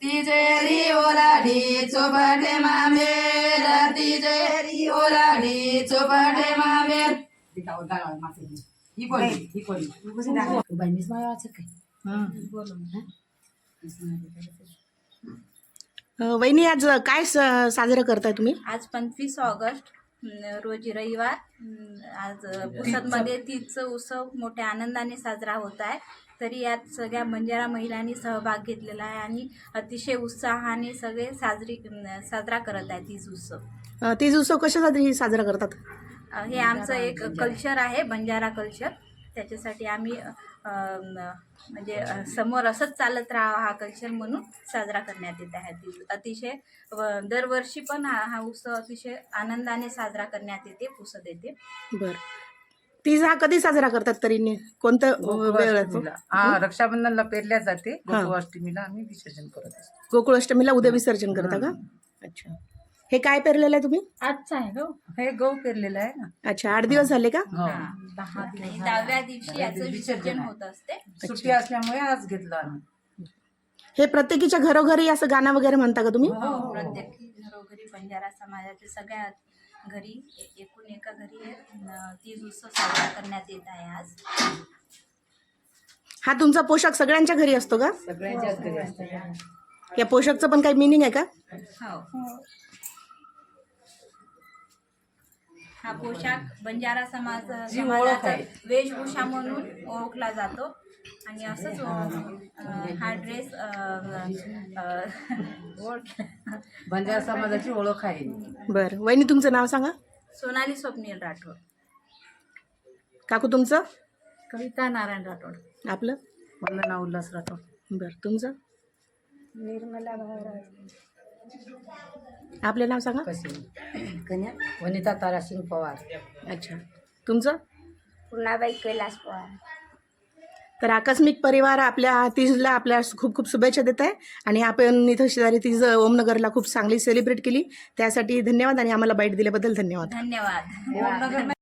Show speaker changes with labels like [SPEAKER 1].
[SPEAKER 1] तिजेरी ओलाडी चोपटे मामेर तिजेरी ओलाडी चोपटे मामेर ही कोणी बाई मीच मला वाचत काय
[SPEAKER 2] वहिनी आज काय साजरं करताय तुम्ही?
[SPEAKER 3] आज 25 ऑगस्ट रोजी रविवार आज पुसदमध्ये तीज उत्सव मोठ्या आनंदाने साजरा होत आहे. तरी यात सगळ्या बंजारा महिलांनी सहभाग घेतलेला आहे आणि अतिशय उत्साहाने सगळे साजरा करत आहेत तीज उत्सव.
[SPEAKER 2] तीज उत्सव कशासाठी साजरा करतात?
[SPEAKER 3] हे आमचं एक कल्चर आहे, बंजारा कल्चर. त्याच्यासाठी आम्ही म्हणजे समोर असंच चालत राहावं हा कल्चर म्हणून साजरा करण्यात येत आहे. अतिशय दरवर्षी पण हा उत्सव अतिशय आनंदाने साजरा करण्यात येते, पुसद येते.
[SPEAKER 2] बरं, तीज हा कधी साजरा करतात तरी कोणत्या वेळ?
[SPEAKER 1] रक्षाबंधनला पेरल्या जाते, गोकुळाष्टमीला आम्ही विसर्जन करत असतो.
[SPEAKER 2] गोकुळाष्टमीला उद्या विसर्जन करता का? अच्छा. हे काय पेरलेलं आहे तुम्ही?
[SPEAKER 3] आजचा आहे गो,
[SPEAKER 1] हे गहू पेरलेलं आहे ना.
[SPEAKER 2] अच्छा, 8 दिवस झाले का?
[SPEAKER 3] 10 दिवस. 10व्या दिवशी याचं विसर्जन होत असते.
[SPEAKER 1] सुट्टी असल्यामुळे आज घेतलं आम्ही.
[SPEAKER 2] हे प्रत्येकीच्या घरोघरी असं गाणं वगैरे म्हणता का तुम्ही?
[SPEAKER 3] प्रत्येक घरोघरी बंजारा समाजाच्या सगळ्या घरी एकूण एका घरी तीज उत्सव साजरा करण्यात येत आहे आज.
[SPEAKER 2] हा तुमचा पोशाख सगळ्यांच्या घरी असतो का?
[SPEAKER 1] सगळ्यांच्याच घरी असतं.
[SPEAKER 2] या पोशाखचं पण काही मिनिंग आहे का?
[SPEAKER 3] हो. हा पोशाख बंजारा समाजाचा वेशभूषा म्हणून ओळखला जातो आणि असंच हा ड्रेस
[SPEAKER 1] बंजारा समाजाची ओळख आहे.
[SPEAKER 2] बरं, वहिनी तुमचं नाव सांगा.
[SPEAKER 3] सोनाली स्वप्नील राठोड.
[SPEAKER 2] काकू तुमचं?
[SPEAKER 3] कविता नारायण राठोड.
[SPEAKER 2] आपलं?
[SPEAKER 1] वंदना उल्हास राठोड.
[SPEAKER 2] बरं, तुमचं?
[SPEAKER 3] निर्मला भावराज.
[SPEAKER 2] आपलं नाव सांगा.
[SPEAKER 1] कन्या वनिता तारासिंग पवार.
[SPEAKER 2] अच्छा, तुमचं?
[SPEAKER 3] पूर्णाबाई कैलास पवार.
[SPEAKER 2] तर आकस्मिक परिवार आपल्या तीजला आपल्या खूप खूप शुभेच्छा देत आहे आणि आपण इथं शेजारी तीज ओमनगरला खूप चांगली सेलिब्रेट केली, त्यासाठी धन्यवाद आणि आम्हाला बाईट दिल्याबद्दल धन्यवाद.
[SPEAKER 3] धन्यवाद.